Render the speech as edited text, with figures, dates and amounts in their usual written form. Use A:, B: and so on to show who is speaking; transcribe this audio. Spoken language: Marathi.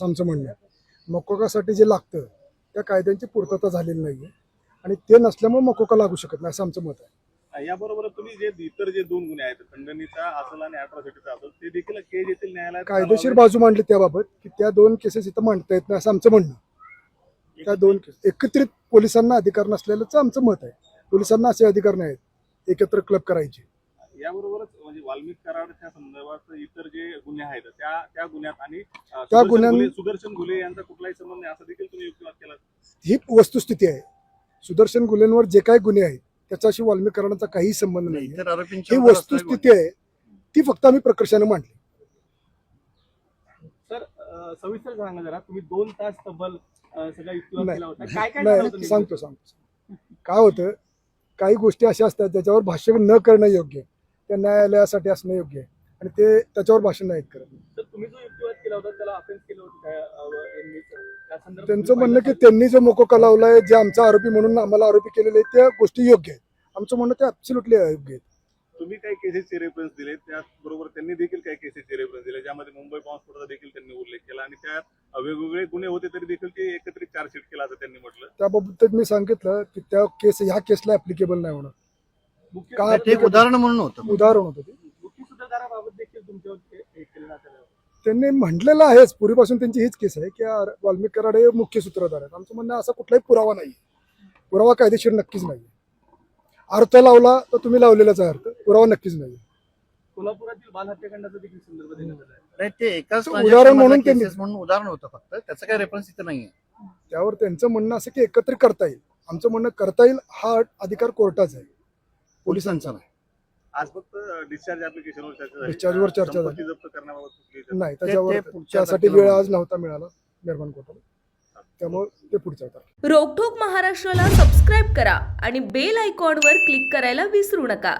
A: आमचं म्हणणं आहे मकोकासाठी जे लागतं त्या कायद्यांची पूर्तता झालेली नाही आहे आणि ते नसल्यामुळे मकोका लागू शकत नाही असं आमचं मत आहे.
B: याबरोबर तुम्ही जे इतर जे 2 गुन्हे आहेत खंडणीचा असेल आणि अॅट्रॉसिटीचा असेल ते देखील केज येथील न्यायालयात
A: कायदेशीर बाजू मांडली त्याबाबत की त्या 2 केसेस इथं मांडता येत नाही असं आमचं म्हणणं. त्या 2 केस एकत्रित पोलिसांना अधिकार नसलेलंच आमचं मत आहे. पोलिसांना असे अधिकार नाहीत एकत्र क्लब करायचे.
B: याबरोबरच म्हणजे वाल्मिक कराडच्या संदर्भात इतर जे गुन्हे आहेत त्या गुन्ह्यात आणि सुदर्शन घुले यांचा कुठलाही संबंध नाही असं देखील तुम्ही युक्तिवाद केला.
A: ही वस्तुस्थिती आहे. सुदर्शन गुन्ह्यांवर जे काही गुन्हे आहेत त्याच्याशी वाल्मिक कराडांचा काही संबंध नाही. ही वस्तुस्थिती आहे ती फक्त आम्ही प्रकर्षाने मांडली.
B: सर सविस्तर सांगा जरा तुम्ही 2 तास तब्बल सगळा युक्तिवाद केला होता. काय
A: नाही सांगतो काय होतं काही गोष्टी अशा असतात ज्याच्यावर भाष्य न करणं योग्य आहे. त्या न्यायालयासाठी असणं योग्य आहे आणि ते त्याच्यावर भाषण नाही करत.
B: तर तुम्ही जो युक्तिवाद केला होता त्याला अफेन्स केलं होतं
A: त्यांचं म्हणणं की त्यांनी जो मोकोका लावलाय जे आमचा आरोपी म्हणून आम्हाला आरोपी केलेले आहेत त्या गोष्टी योग्य आहेत. आमचं म्हणणं ते ऍब्सोल्युटली अयोग्य आहेत.
B: तुम्ही काही केसेसचे रेफरन्स दिले त्याचबरोबर त्यांनी देखील काही केसेसचे रेफरन्स दिले ज्यामध्ये मुंबई बॉम्बस्फोटाचा देखील त्यांनी उल्लेख केला आणि त्यात वेगवेगळे गुन्हे होते तरी देखील ते एकत्रित चार्जशीट केला असं त्यांनी म्हटलं.
A: त्याबाबत मी सांगितलं की त्या केस ह्या केसला ऍप्लिकेबल नाही होणार.
C: उदाहरण म्हणून होतं
A: ते
B: मुख्य सूत्रधाराबाबत देखील तुमच्यावर केलं जातं.
A: त्यांनी म्हटलेलं आहेच पूर्वीपासून त्यांची हीच केस आहे की वाल्मिक कराड हे मुख्य सूत्रधार आहेत. आमचं म्हणणं असा कुठलाही पुरावा नाही. पुरावा कायदेशीर नक्कीच नाही. अर्थ लावला तर तुम्ही लावलेलाच आहे अर्थ पुरावा नक्कीच नाही.
B: कोल्हापुरातील बाल हत्याकांडाचा देखील संदर्भ देण्यात आला आहे.
C: नाही ते एकाच
A: उदाहरण म्हणून
C: उदाहरण होतं फक्त त्याचं काही रेफरन्स इथं नाहीये.
A: त्यावर त्यांचं म्हणणं असं की एकत्रित करता येईल. आमचं म्हणणं करता येईल हा अधिकार कोर्टाचा आहे पोलिसांचा नाही.
B: आज फक्त डिस्चार्ज ऍप्लिकेशनवर चर्चा झाली.
A: डिस्चार्जवर चर्चा झाली
B: जप्त करण्याबाबत
A: नाही त्याच्यावर त्यासाठी वेळ आज नव्हता मिळाला निर्माण कोर्टाला त्यामुळे ते पुढच्या
D: रोकठोक महाराष्ट्राला सबस्क्राईब करा आणि बेल आयकॉनवर क्लिक करायला विसरू नका.